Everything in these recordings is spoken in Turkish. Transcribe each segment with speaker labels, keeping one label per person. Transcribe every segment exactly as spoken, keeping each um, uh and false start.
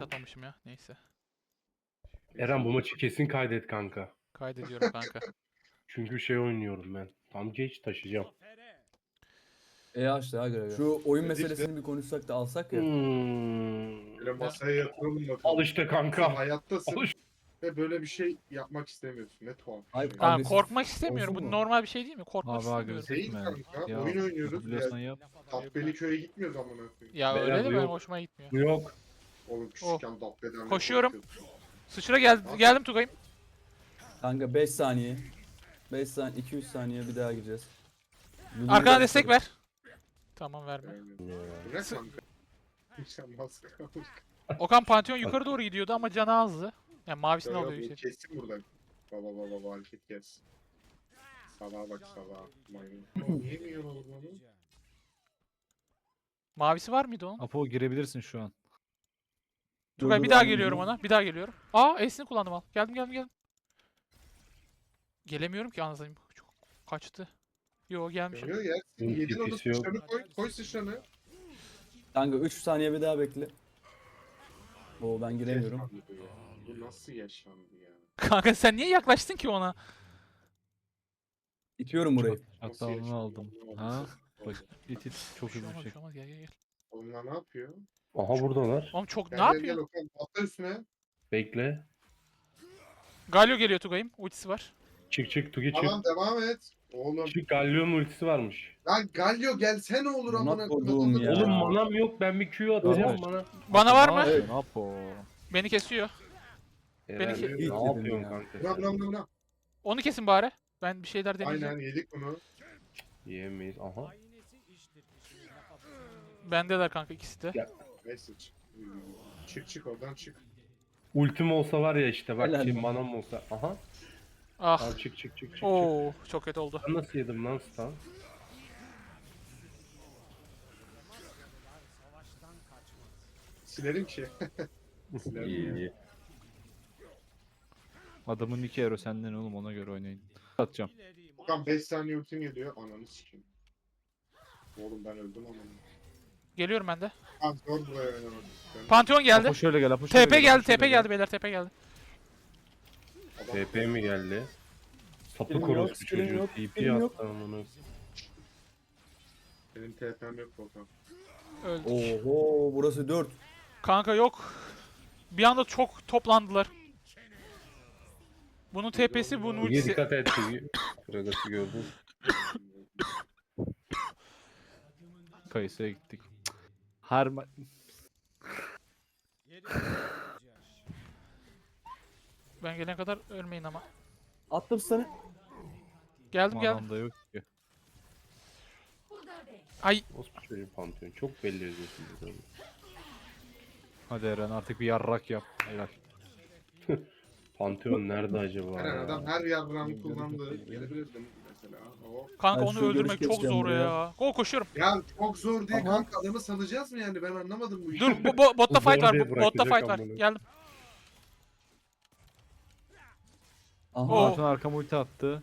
Speaker 1: yapmamışım ya. Neyse.
Speaker 2: Eren bu maçı kesin kaydet kanka.
Speaker 1: Kaydediyorum kanka.
Speaker 2: Çünkü şey oynuyorum ben. Tam geç taşıyacağım.
Speaker 3: E açtı ha görevi. Şu oyun meselesini bir konuşsak da alsak ya.
Speaker 2: Hmm.
Speaker 4: Böyle masaya yatıralım bakalım.
Speaker 2: Al işte
Speaker 4: Sen
Speaker 2: kanka.
Speaker 4: hayattasın
Speaker 2: Al işte.
Speaker 4: ve böyle bir şey yapmak istemiyorsun. Ne tuhaf bir
Speaker 3: Ay,
Speaker 4: şey.
Speaker 3: kanka,
Speaker 1: Ha,
Speaker 3: Agresif
Speaker 1: korkmak istemiyorum.
Speaker 3: olsun
Speaker 1: Bu
Speaker 3: mu?
Speaker 1: normal bir şey değil mi? Korkmak
Speaker 5: Abi
Speaker 1: istemiyorum.
Speaker 5: agresif
Speaker 4: Değil
Speaker 5: mi?
Speaker 4: kanka,
Speaker 5: Ya,
Speaker 4: oyun oynuyoruz
Speaker 5: biliyorsan
Speaker 4: ya.
Speaker 5: yap.
Speaker 4: Dabbeli köye gitmiyoruz amına koyayım.
Speaker 1: Ya
Speaker 2: Beyler,
Speaker 1: öyle de
Speaker 2: bu
Speaker 1: benim
Speaker 2: yok.
Speaker 1: hoşuma gitmiyor.
Speaker 2: Bu yok.
Speaker 4: Oğlum küçükken Dabbe'den ne
Speaker 1: Koşuyorum.
Speaker 4: korkuyordun?
Speaker 1: Sıçra geldi, geldim Tugay'ım.
Speaker 3: Kanka beş saniye. beş saniye, iki üç saniye bir daha gireceğiz. Yürü,
Speaker 1: Arkana
Speaker 3: yürü.
Speaker 1: destek ver. Tamam verme.
Speaker 4: Yani. Bu ne kanka? Sen nasıl kalmış?
Speaker 1: Okan Pantheon yukarı doğru gidiyordu ama canı azdı. Yani mavisini
Speaker 4: Yok,
Speaker 1: alıyor
Speaker 4: bu
Speaker 1: işte.
Speaker 4: Kesin burada. Baba baba baba hareket kes. Salağa bak salağa. Maymun. Yemiyor oğlum onu.
Speaker 1: Mavisi var mıydı onun?
Speaker 5: Apo girebilirsin şu an.
Speaker 1: Tugay
Speaker 3: Dur,
Speaker 1: bir
Speaker 3: dur,
Speaker 1: daha
Speaker 3: anladım.
Speaker 1: geliyorum ona. Bir daha geliyorum. Aa E'sini kullandım al. Geldim geldim geldim. Gelemiyorum ki anasını. Çok kaçtı. Yo gelmişim.
Speaker 4: Geliyor yersin.
Speaker 2: Bunun
Speaker 4: Yedin onu
Speaker 2: tepkisi yok.
Speaker 4: sıçranı koy. Koy sıçranı.
Speaker 3: Kanka üç saniye bir daha bekle. Oo ben giremiyorum.
Speaker 4: Yaşandı bu ya. Bu nasıl yaşandı ya?
Speaker 1: Kanka sen niye yaklaştın ki ona?
Speaker 3: İtiyorum burayı.
Speaker 4: Nasıl
Speaker 5: Hatta onu
Speaker 4: yaşandı?
Speaker 5: aldım.
Speaker 4: Allah'ım.
Speaker 5: Ha? Bak it it çok
Speaker 1: Bir şey
Speaker 5: hızlı
Speaker 1: olmaz,
Speaker 5: bir
Speaker 1: bir
Speaker 5: şey.
Speaker 1: şey olmaz. Gel gel gel.
Speaker 4: Onlar ne yapıyor?
Speaker 2: Aha buradalar.
Speaker 1: Oğlum çok
Speaker 4: Gel
Speaker 1: ne
Speaker 4: gel
Speaker 1: yapıyor?
Speaker 4: gel Okan. Atla üstüne.
Speaker 2: Bekle.
Speaker 1: Galio geliyor Tugay'ım. Ultisi var.
Speaker 2: Çık çık Tugi çık.
Speaker 4: Tamam devam et. Oğlum.
Speaker 2: Çık Galio'nun ultisi varmış.
Speaker 4: Lan Galio gelsene olur
Speaker 3: Buna
Speaker 4: amına
Speaker 3: koduğum ya.
Speaker 2: Oğlum manam yok, ben bir Q atacağım
Speaker 5: Evet.
Speaker 2: bana.
Speaker 1: Bana var mı?
Speaker 5: Evet. Apo.
Speaker 1: Beni kesiyor.
Speaker 2: Eren
Speaker 1: ki-
Speaker 2: ne
Speaker 3: İlk
Speaker 2: yapıyorsun
Speaker 3: dedim ya.
Speaker 2: kanka?
Speaker 4: Buna buna
Speaker 2: sen?
Speaker 4: buna buna.
Speaker 1: Onu kesin bari. Ben bir şeyler deneyeceğim.
Speaker 4: Aynen yedik bunu.
Speaker 2: Yiyemeyiz. Aha.
Speaker 1: Bendeler kanka ikisi de.
Speaker 2: Ya.
Speaker 4: Neyse çık. Çık çık oradan çık.
Speaker 2: Ultim olsa var ya işte bak
Speaker 3: Helal
Speaker 2: şey
Speaker 3: lan.
Speaker 2: manam olsa. Aha.
Speaker 1: Ah.
Speaker 2: Al çık çık çık çık çık.
Speaker 1: Oo, çok kötü oldu.
Speaker 2: Ben nasıl yedim lan stun?
Speaker 4: Silerim ki. Silerim
Speaker 2: İyi
Speaker 4: ya.
Speaker 2: iyi.
Speaker 5: Adamın iki euro senden oğlum, ona göre oynayın. Atacağım.
Speaker 4: Okan beş saniye ultim geliyor. Ananı sikeyim. Oğlum ben öldüm ama.
Speaker 1: Geliyorum ben de.
Speaker 4: Abi zor buraya oynamak. Ben-
Speaker 1: Pantheon geldi.
Speaker 5: Apo şöyle gel, Apo şöyle
Speaker 1: T P
Speaker 5: gel,
Speaker 1: geldi,
Speaker 5: Apo şöyle
Speaker 1: T P
Speaker 5: gel.
Speaker 1: geldi beyler, T P geldi.
Speaker 4: Adam-
Speaker 2: T P mi geldi? Sapık
Speaker 3: Skillim yok,
Speaker 2: orospu
Speaker 3: skillim
Speaker 2: çocuğu.
Speaker 3: yok,
Speaker 2: T P
Speaker 3: skillim yok.
Speaker 2: attı amına.
Speaker 4: Benim T P'm yok Okan.
Speaker 1: Öldük.
Speaker 3: Oho burası dört.
Speaker 1: Kanka yok. Bir anda çok toplandılar. Bunun T P'si, bunun
Speaker 2: Tugi
Speaker 1: ultisi.
Speaker 2: dikkat et Tugi. Kragas'ı gördün.
Speaker 5: Kayısı'ya gittik. Her ma-
Speaker 1: Ben gelene kadar ölmeyin ama.
Speaker 3: Attım sana.
Speaker 1: Geldim geldim.
Speaker 5: manam da yok ki.
Speaker 1: Ay
Speaker 2: Orospu çocuğu Pantheon. Çok belli ediyorsun burada.
Speaker 5: Hadi Eren artık bir yarrak yap. Helal.
Speaker 2: Pantheon nerede acaba
Speaker 4: Eren
Speaker 2: ya?
Speaker 4: adam her yarram kullandı. Gelebilirdim mesela. O.
Speaker 1: kanka
Speaker 3: Ben
Speaker 1: onu
Speaker 3: şu
Speaker 1: öldürmek
Speaker 3: görüş
Speaker 1: çok
Speaker 3: geçeceğim
Speaker 1: zor
Speaker 3: buraya.
Speaker 1: ya. Go koşuyorum.
Speaker 4: Ya çok zor diye
Speaker 3: Aha.
Speaker 4: kanka adamı sanacağız mı yani ben anlamadım bu işi.
Speaker 1: Dur bu, bu botta
Speaker 2: Bu
Speaker 1: fight
Speaker 2: zor
Speaker 1: var.
Speaker 2: diye
Speaker 1: Bu, botta
Speaker 2: bırakacak
Speaker 1: fight var.
Speaker 2: amına.
Speaker 1: Geldim.
Speaker 3: Aha.
Speaker 1: Oo.
Speaker 5: Hatun arkama ulti attı.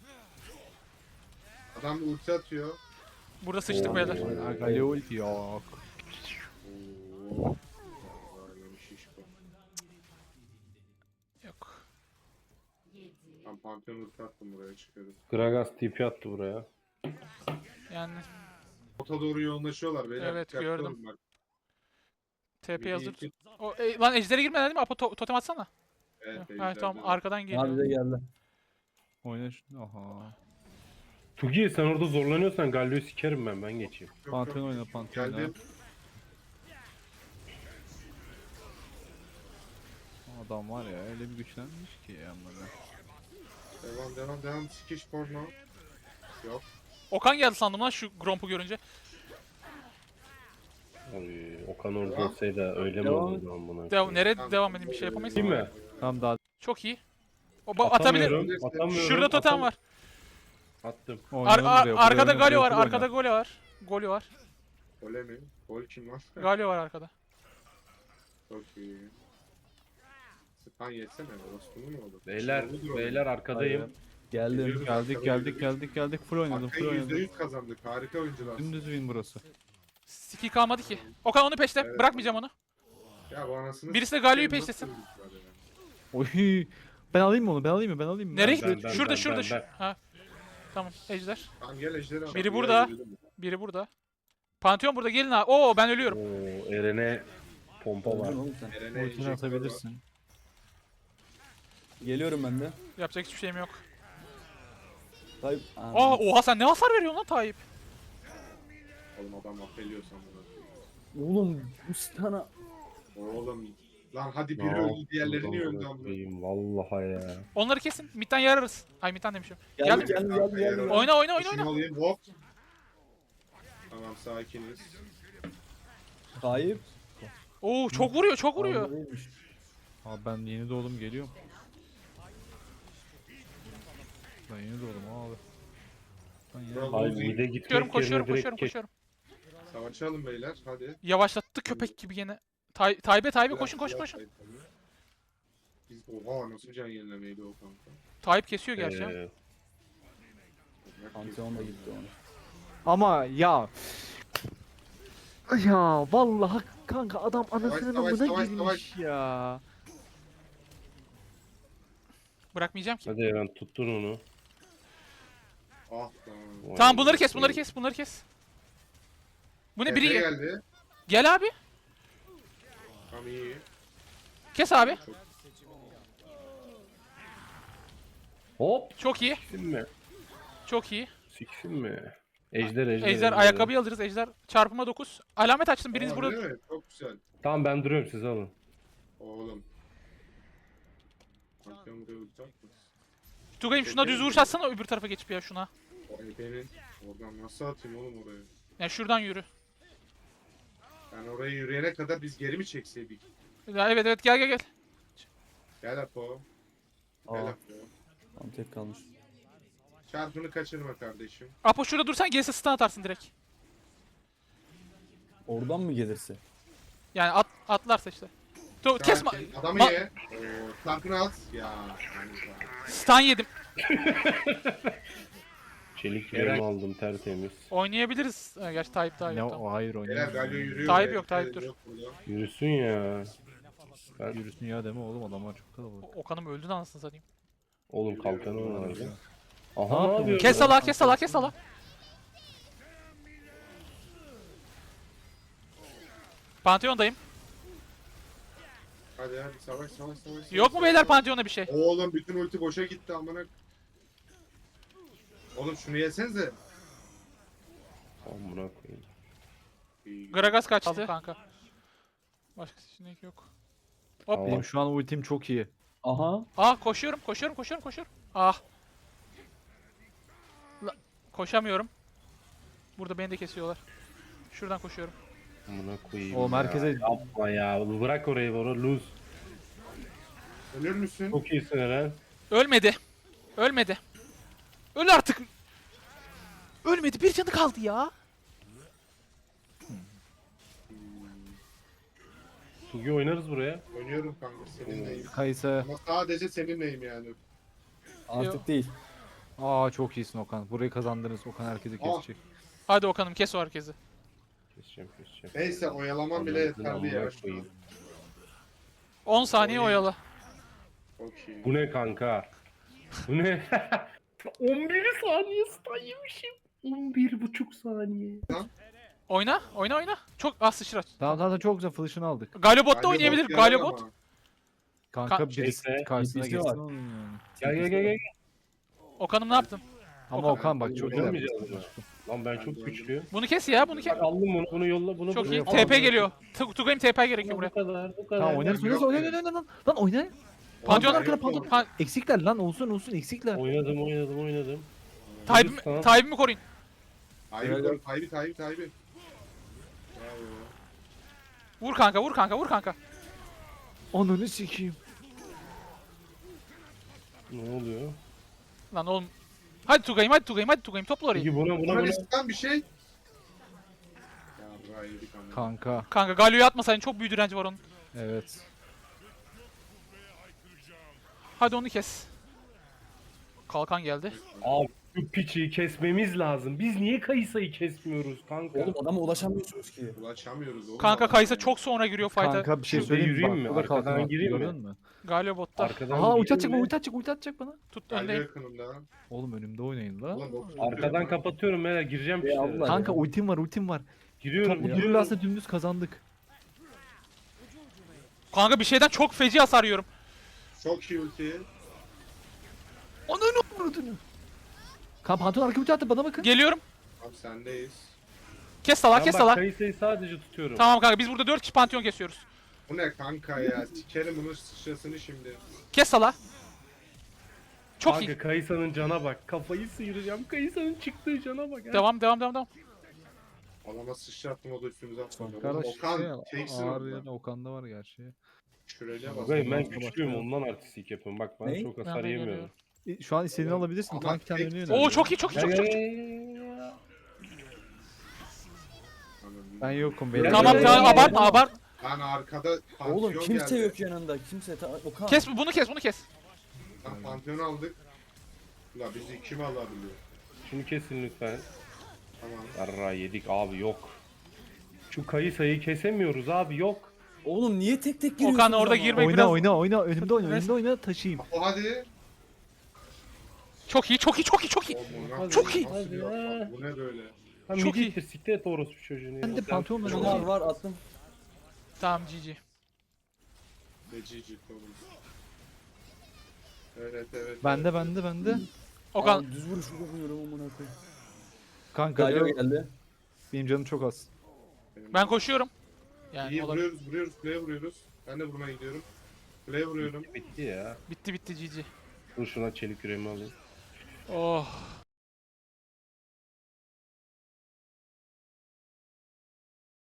Speaker 4: Adam bir ulti atıyor.
Speaker 1: Burada sıçtık
Speaker 2: Oo.
Speaker 1: beyler.
Speaker 2: Oo.
Speaker 5: Galio ulti yok.
Speaker 4: Oo. Böyle bir şişko.
Speaker 1: Yok.
Speaker 4: Ben Pantheon ulti attım buraya çıkıyorum.
Speaker 2: Gragas T P attı buraya.
Speaker 1: Yani
Speaker 4: Ota doğru yoğunlaşıyorlar beyler.
Speaker 1: Evet,
Speaker 4: dikkatli
Speaker 1: gördüm.
Speaker 4: olun bak.
Speaker 1: T P
Speaker 4: Bir,
Speaker 1: hazır.
Speaker 4: iki-
Speaker 1: O, e, lan ejdere girmeden değil mi? Apo to- totem atsana.
Speaker 4: Evet,
Speaker 1: Ha,
Speaker 4: ejder
Speaker 1: tamam
Speaker 4: dedi.
Speaker 1: arkadan
Speaker 3: Abi
Speaker 1: geliyor.
Speaker 3: de geldi.
Speaker 5: Oyna şu. Aha.
Speaker 2: Tugi sen orada zorlanıyorsan Galio'yu sikerim ben, ben geçeyim.
Speaker 4: Yok,
Speaker 5: Pantheon
Speaker 4: yok.
Speaker 5: oyna, Pantheon oyna.
Speaker 4: Geldim.
Speaker 5: Adam var ya öyle bir güçlenmiş ki ya böyle.
Speaker 4: Devam devam devam. Sikiş porno. Yok.
Speaker 1: Okan geldi sandım lan şu Gromp'u görünce.
Speaker 2: Abi, Okan orada
Speaker 4: Devam.
Speaker 2: olsaydı öyle mi
Speaker 3: Devam.
Speaker 2: olurdu amına?
Speaker 1: Devam, nereye
Speaker 4: Tamam.
Speaker 1: devam edeyim bir şey yapamayız.
Speaker 2: Değil mi?
Speaker 5: Tam daha
Speaker 1: Çok iyi. O ba- atabilir.
Speaker 2: Atamıyorum, atamıyorum.
Speaker 1: Şurada totem
Speaker 2: atam-
Speaker 1: var.
Speaker 2: Attım.
Speaker 1: Ar-
Speaker 5: oynayalım
Speaker 1: ar-
Speaker 5: buraya, buraya
Speaker 1: arkada
Speaker 5: oyna,
Speaker 1: Galio
Speaker 5: buraya
Speaker 1: var.
Speaker 5: oyna.
Speaker 1: Arkada Galio var. Golio var.
Speaker 4: Gole mi? Gol kim var?
Speaker 1: Galio var arkada.
Speaker 4: Çok iyi. Span yetsene. Orospu'nu mu olur?
Speaker 2: Beyler,
Speaker 4: Şunu olur.
Speaker 2: beyler arkadayım.
Speaker 3: Geldim.
Speaker 4: Geliyoruz,
Speaker 5: Geldik
Speaker 4: arkada
Speaker 5: geldik
Speaker 4: yürüyoruz.
Speaker 5: geldik geldik full oynadım full
Speaker 4: Arkayı yüzde
Speaker 5: oynadım.
Speaker 4: yüz kazandık. Harika oyuncular.
Speaker 5: Dümdüz win burası.
Speaker 1: Skill kalmadı ki. Okan onu peşle.
Speaker 4: Evet.
Speaker 1: Bırakmayacağım onu.
Speaker 4: Ya bu anasını
Speaker 1: Birisi de
Speaker 4: s**eyim,
Speaker 1: Galio'yu
Speaker 4: nasıl
Speaker 1: peşlesin.
Speaker 4: öldük böyle ya?
Speaker 5: Oy. Ben alayım mı onu? Ben alayım mı? Ben alayım mı?
Speaker 1: Nereye
Speaker 2: ben-
Speaker 1: gitti?
Speaker 2: ben-
Speaker 1: Şurada
Speaker 2: ben-
Speaker 1: şurada
Speaker 2: ben-
Speaker 1: şu.
Speaker 2: ben.
Speaker 1: Ha. Tamam ejder.
Speaker 4: Tamam gel ejderi al.
Speaker 1: Biri
Speaker 4: Ya,
Speaker 1: burada.
Speaker 4: yürüdüm.
Speaker 1: Biri burada. Pantheon burada gelin abi. Oo ben ölüyorum.
Speaker 2: Oo, Eren'e pompa var.
Speaker 3: Öldün oğlum sen.
Speaker 4: Eren'e
Speaker 5: Ultini
Speaker 4: enjektör var.
Speaker 5: atabilirsin.
Speaker 3: Geliyorum ben de.
Speaker 1: Yapacak hiçbir şeyim yok.
Speaker 3: Tayyip.
Speaker 1: Aa oha sen ne hasar veriyorsun lan Tayyip?
Speaker 4: Oğlum adam affediyor sanırım.
Speaker 3: Oğlum bu stana.
Speaker 4: Oğlum. Lan hadi
Speaker 2: Ne
Speaker 4: biri öldü
Speaker 2: yaptın
Speaker 4: diğerleri niye
Speaker 2: lan
Speaker 4: öldü
Speaker 2: bunu
Speaker 4: amına?
Speaker 2: koyayım, vallahi ya.
Speaker 1: Onları kesin. Mid'den yararız. Ay mid'den demişim.
Speaker 3: Geldi
Speaker 1: Geldim.
Speaker 3: geldi geldi geldi. geldi.
Speaker 1: Oyna oyna oyna
Speaker 4: Şunu
Speaker 1: oyna.
Speaker 4: alayım hop. Tamam sakiniz.
Speaker 3: Tayyip.
Speaker 1: Oo çok vuruyor çok vuruyor.
Speaker 3: Ağzıymış.
Speaker 5: Abi ben yeni doğdum geliyorum. Ben yeni doğdum abi. Ben yeni
Speaker 4: Bravo.
Speaker 2: Hayır mide gitmek
Speaker 1: Koşuyorum
Speaker 2: yerine
Speaker 1: koşuyorum
Speaker 2: direkt
Speaker 1: koşuyorum
Speaker 2: geç-
Speaker 1: koşuyorum.
Speaker 4: Savaşalım beyler hadi.
Speaker 1: Yavaşlattı köpek gibi gene. Tay Tayyip'e Tayyip'e koşun koşun
Speaker 4: Biraz-
Speaker 1: koşun.
Speaker 4: biraz tabii. Biz oha nasıl can yenilemeydi o kanka.
Speaker 1: Tayyip kesiyor gerçi. ama.
Speaker 2: Ee,
Speaker 3: Pantheon da gitti onu.
Speaker 5: Ama ya. Ya vallahi kanka adam anasının
Speaker 4: savaş,
Speaker 5: amına
Speaker 4: savaş,
Speaker 5: girmiş ya.
Speaker 1: Bırakmayacağım ki.
Speaker 2: hadi Eren tuttun onu.
Speaker 4: Ah lan.
Speaker 2: Vay
Speaker 1: Tamam bunları
Speaker 2: be.
Speaker 1: kes bunları kes bunları kes. Bu ne
Speaker 4: Efe
Speaker 1: biri
Speaker 4: geldi.
Speaker 1: gel abi.
Speaker 4: Tam iyi.
Speaker 1: Kes abi.
Speaker 4: Çok
Speaker 2: Hop
Speaker 1: Çok iyi.
Speaker 2: siksin mi?
Speaker 1: Çok iyi.
Speaker 2: Siksin mi? Ejder ejder.
Speaker 1: Ejder ayakkabıyı alırız. Ejder çarpıma dokuz. Alamet açtım. Biriniz
Speaker 4: Aa,
Speaker 1: burada.
Speaker 4: değil mi? Çok güzel.
Speaker 2: Tamam ben duruyorum siz alın.
Speaker 4: Oğlum. Pantheon buraya ulti atmasın.
Speaker 1: Tugay'ım şuna düz vuruş atsana öbür tarafa geçip ya şuna.
Speaker 4: O Efe'nin. Oradan nasıl atayım oğlum oraya?
Speaker 1: Yani şuradan yürü.
Speaker 4: Yani oraya yürüyene kadar biz geri mi çekseydik?
Speaker 1: Ya evet evet gel gel gel.
Speaker 4: Gel Apo. Gel
Speaker 3: Aa,
Speaker 4: Apo.
Speaker 3: tam tek kalmış.
Speaker 4: Çarpını kaçırma kardeşim.
Speaker 1: Apo şurada dursan gelirse stun atarsın direkt.
Speaker 3: Oradan mı gelirse?
Speaker 1: Yani at, atlarsa işte. Tu kesme.
Speaker 4: Sakin. Adamı
Speaker 1: Ma-
Speaker 4: ye. Oo, çarpını at. Ya. kanka.
Speaker 1: Stun yedim.
Speaker 2: Çelik
Speaker 5: Eren-
Speaker 2: yürüme aldım tertemiz.
Speaker 1: Oynayabiliriz. Ha, gerçi Tayyip Tayyip.
Speaker 5: Ne
Speaker 1: tamam.
Speaker 5: o hayır
Speaker 4: Beyler
Speaker 5: oynayamam.
Speaker 4: Galio yürüyor.
Speaker 1: Tayyip
Speaker 4: be.
Speaker 1: yok, Tayyip dur.
Speaker 4: Yok burada.
Speaker 2: Yürüsün ya. Ben
Speaker 5: Yürüsün ya deme oğlum adamlar çok kalabalık.
Speaker 1: O- Okan'ım öldü de anasını satayım.
Speaker 2: oğlum kalkanı vardı.
Speaker 5: Ne
Speaker 2: Aha ne
Speaker 5: yapıyorsun?
Speaker 2: yapıyor?
Speaker 1: Kes sala kes sala kes sala. Pantheon'dayım.
Speaker 4: Hadi hadi savaş savaş savaş.
Speaker 1: Yok mu
Speaker 4: savaş,
Speaker 1: beyler
Speaker 4: savaş.
Speaker 1: Pantheon'da bir şey?
Speaker 4: Oğlum bütün ulti boşa gitti amına. Oğlum şunu yesenize.
Speaker 2: Amına koyayım.
Speaker 4: İyi.
Speaker 1: Gragas kaçtı kanka. Başka seçenek yok. Hop.
Speaker 2: Aa.
Speaker 5: Benim şu an ultim çok iyi.
Speaker 3: Aha.
Speaker 1: Ah koşuyorum koşuyorum koşuyorum koşuyorum. Ah. La- koşamıyorum. Burada beni de kesiyorlar. Şuradan koşuyorum.
Speaker 2: Amına koyayım.
Speaker 5: O
Speaker 2: ya.
Speaker 5: merkeze
Speaker 2: Yapma ya. Bırak orayı bana lose.
Speaker 4: Ölür müsün?
Speaker 2: Çok iyisin Eren.
Speaker 1: Ölmedi. Ölmedi. Öl artık. Ölmedi. Bir canı kaldı ya.
Speaker 2: Tugi oynarız buraya.
Speaker 4: Oynuyorum kanka seninleyim.
Speaker 5: Kaysa.
Speaker 4: Ama sadece seninleyim yani.
Speaker 3: Artık
Speaker 1: Yok.
Speaker 3: değil.
Speaker 5: Aa çok iyisin Okan. Burayı kazandınız. Okan herkesi
Speaker 4: Ah.
Speaker 5: kesecek.
Speaker 1: Hadi Okan'ım kes o herkesi.
Speaker 2: Keseceğim keseceğim.
Speaker 4: Neyse oyalaman bile
Speaker 2: Anladım,
Speaker 4: yeterli ya.
Speaker 2: amına koyayım.
Speaker 1: on saniye
Speaker 4: Oy.
Speaker 1: oyala.
Speaker 4: Okey.
Speaker 2: Bu ne kanka? Bu ne? on bir saniye stun yemişim. on bir buçuk saniye.
Speaker 1: Oyna. Oyna oyna. Çok az sıçra.
Speaker 5: Tamam tamam çok güzel flash'ını aldık.
Speaker 1: Galio bot da
Speaker 4: Galio
Speaker 1: oynayabilir.
Speaker 4: bot
Speaker 1: Galio
Speaker 4: yarar
Speaker 1: bot.
Speaker 4: ama.
Speaker 5: Kanka
Speaker 1: Ka-
Speaker 5: birisi
Speaker 2: Şeyse,
Speaker 5: karşısına
Speaker 3: birisi
Speaker 5: geçsin
Speaker 3: var.
Speaker 5: onun yani.
Speaker 2: Gel gel gel gel.
Speaker 1: Okan'ım ne yaptın?
Speaker 5: Ama
Speaker 1: Okan-
Speaker 5: Okan bak çok iyi.
Speaker 2: Oynamayacağız mı? Lan ben çok güçlüyüm.
Speaker 1: Bunu kes ya bunu kes.
Speaker 2: Bak aldım bunu, bunu yolla, bunu
Speaker 1: Çok
Speaker 2: buraya.
Speaker 1: iyi.
Speaker 2: Al,
Speaker 1: T P
Speaker 2: bunu-
Speaker 1: geliyor. Tu- Tugay'ım T P gerekiyor
Speaker 2: Bu
Speaker 1: buraya.
Speaker 2: kadar, bu kadar.
Speaker 5: Tamam oynarız oynarız
Speaker 4: Yok,
Speaker 5: oyna
Speaker 4: evet.
Speaker 5: oyna oyna lan. Lan oyna.
Speaker 1: Pantheon
Speaker 4: Yok,
Speaker 5: arkada,
Speaker 4: yok.
Speaker 5: Pantheon.
Speaker 1: Pa
Speaker 5: Eksikler lan olsun olsun eksikler.
Speaker 2: Oynadım, oynadım, oynadım.
Speaker 1: Tayyip'imi
Speaker 2: Tamam.
Speaker 1: Tayyip'imi koruyun.
Speaker 4: Tayyip
Speaker 3: Evet.
Speaker 4: koy, Tayyip Tayyip Tayyip. Bravo.
Speaker 1: Vur kanka vur kanka vur kanka.
Speaker 5: Ananı sikeyim.
Speaker 2: Ne oluyor?
Speaker 1: Lan oğlum. Hadi Tugay'ım hadi Tugay'ım hadi Tugay'ım topla orayı.
Speaker 2: Peki buna, buna,
Speaker 4: Buna
Speaker 2: buna.
Speaker 4: listten bir şey. Ya buraya yedik ama.
Speaker 5: Kanka.
Speaker 1: Kanka Galio'yu atmasaydın çok büyük direnci var onun.
Speaker 5: Evet.
Speaker 1: Hadi onu kes. Kalkan geldi.
Speaker 2: Abi Şu piçi kesmemiz lazım. Biz niye Kayısa'yı kesmiyoruz kanka?
Speaker 3: Oğlum adama ulaşamıyorsunuz ki.
Speaker 4: Ulaşamıyoruz oğlum.
Speaker 1: Kanka Kaysa çok sonra giriyor fight'a.
Speaker 5: Kanka bir şey
Speaker 2: Şurada
Speaker 5: söyleyeyim mi?
Speaker 2: yürüyeyim
Speaker 5: Bak,
Speaker 2: mi?
Speaker 5: burada
Speaker 2: Arkadan
Speaker 5: kalkan attı,
Speaker 2: gireyim mi?
Speaker 5: gördün mü?
Speaker 1: Galio botta.
Speaker 2: Arkadan
Speaker 5: Aha ulti
Speaker 2: gireyim
Speaker 5: atacak
Speaker 2: mi?
Speaker 5: bana, ulti atacak, ulti atacak bana.
Speaker 1: Tut
Speaker 4: Geldi
Speaker 1: öndeyim.
Speaker 4: yakınımda.
Speaker 5: Oğlum önümde oynayın la.
Speaker 4: Ulan bok
Speaker 2: Arkadan kapatıyorum merak gireceğim
Speaker 3: Ya
Speaker 2: işte.
Speaker 3: Allah.
Speaker 5: Kanka
Speaker 3: ya.
Speaker 5: ultim var, ultim var.
Speaker 2: Giriyorum
Speaker 5: Tam bu
Speaker 2: giriyorum.
Speaker 5: durum aslında dümdüz kazandık.
Speaker 1: Kanka bir şeyden çok feci hasar yiyorum.
Speaker 4: Çok iyi ulti.
Speaker 5: Ananı vurdun. Kanka pantolon arka ulti attı, bana bakın.
Speaker 1: Geliyorum.
Speaker 4: Abi sendeyiz.
Speaker 1: Kes sala
Speaker 2: Ben
Speaker 1: kes
Speaker 2: bak
Speaker 1: sala.
Speaker 2: Kayısa'yı sadece tutuyorum.
Speaker 1: Tamam kanka biz burada dört kişi pantheon kesiyoruz.
Speaker 4: Bu ne kanka ya? Sikerim bunun sıçrasını şimdi.
Speaker 1: Kes sala. Çok
Speaker 2: Kanka
Speaker 1: iyi.
Speaker 2: Kayısa'nın cana bak. Kafayı sıyıracağım. Kayısa'nın çıktığı cana bak. ha.
Speaker 1: Devam devam devam devam.
Speaker 4: Adama sıçrattım o da üstümüze atmadı.
Speaker 5: Kardeş
Speaker 4: Okan
Speaker 5: şey,
Speaker 4: teksin
Speaker 5: ağır
Speaker 4: orada.
Speaker 5: yerine Okan'da var gerçi.
Speaker 4: Şuraya bas.
Speaker 2: Bakayım ben
Speaker 5: Başka
Speaker 2: güçlüyüm
Speaker 5: başka.
Speaker 2: ondan artistik yapıyorum. Bak ben
Speaker 3: Ne?
Speaker 2: çok hasar
Speaker 1: Nereden
Speaker 2: yemiyorum.
Speaker 1: geliyor?
Speaker 5: E, Şu an istediğini
Speaker 4: Oğlum,
Speaker 5: alabilirsin.
Speaker 4: ama
Speaker 5: Tank kendi
Speaker 4: tek-
Speaker 5: önüne
Speaker 1: Oo
Speaker 5: yöneliyor.
Speaker 1: çok iyi çok iyi çok iyi. Çok iyi.
Speaker 5: Ben yokum
Speaker 2: Ya,
Speaker 5: beyler.
Speaker 1: Tamam
Speaker 2: ya,
Speaker 1: tamam
Speaker 2: ya,
Speaker 1: abartma
Speaker 3: ya.
Speaker 1: abart.
Speaker 4: Lan arkada pantheon
Speaker 3: Oğlum kimse
Speaker 4: geldi.
Speaker 3: yok yanında. Kimse. Ta Okan.
Speaker 1: Kes bunu kes bunu kes.
Speaker 4: Lan pantheon aldık. La bizi kim alabiliyor?
Speaker 2: Şunu kesin lütfen.
Speaker 4: Tamam.
Speaker 2: Yarra yedik abi yok. Şu Kayısa'yı kesemiyoruz abi yok.
Speaker 3: Oğlum niye tek tek giriyorsunuz
Speaker 1: Okan orada
Speaker 3: ama?
Speaker 1: girmek
Speaker 5: Oyna
Speaker 1: biraz...
Speaker 5: oyna oyna, önümde oyna,
Speaker 1: Biraz-
Speaker 5: önümde oyna, taşıyayım.
Speaker 4: O hadi.
Speaker 1: Çok iyi çok iyi çok iyi çok iyi.
Speaker 4: Oğlum,
Speaker 1: Çok iyi.
Speaker 4: nasıl
Speaker 2: Hadi
Speaker 4: bir
Speaker 2: ya.
Speaker 4: atma? Bu ne böyle?
Speaker 2: Ha
Speaker 1: Çok iyi.
Speaker 2: midiktir siktir et orospu çocuğunu.
Speaker 5: Ben de
Speaker 2: ya.
Speaker 5: pantolonla
Speaker 3: Var
Speaker 5: oynayayım.
Speaker 3: var attım.
Speaker 1: Tamam G G.
Speaker 4: Ne cici oğlum. Evet evet.
Speaker 5: Bende
Speaker 4: evet.
Speaker 5: bende bende.
Speaker 1: Okan
Speaker 3: Abi, düz vuruş vuramıyorum amına koyayım.
Speaker 5: Kanka
Speaker 3: Galio geldi.
Speaker 5: benim canım çok az.
Speaker 4: Benim-
Speaker 1: ben koşuyorum. Yani
Speaker 4: İyi
Speaker 1: olabilir.
Speaker 4: vuruyoruz vuruyoruz kuleye vuruyoruz. Ben de vurmaya gidiyorum. Kuleye vuruyorum.
Speaker 2: Bitti ya.
Speaker 1: Bitti bitti G G.
Speaker 2: Dur şuna çelik yüreğimi alayım.
Speaker 1: Oh.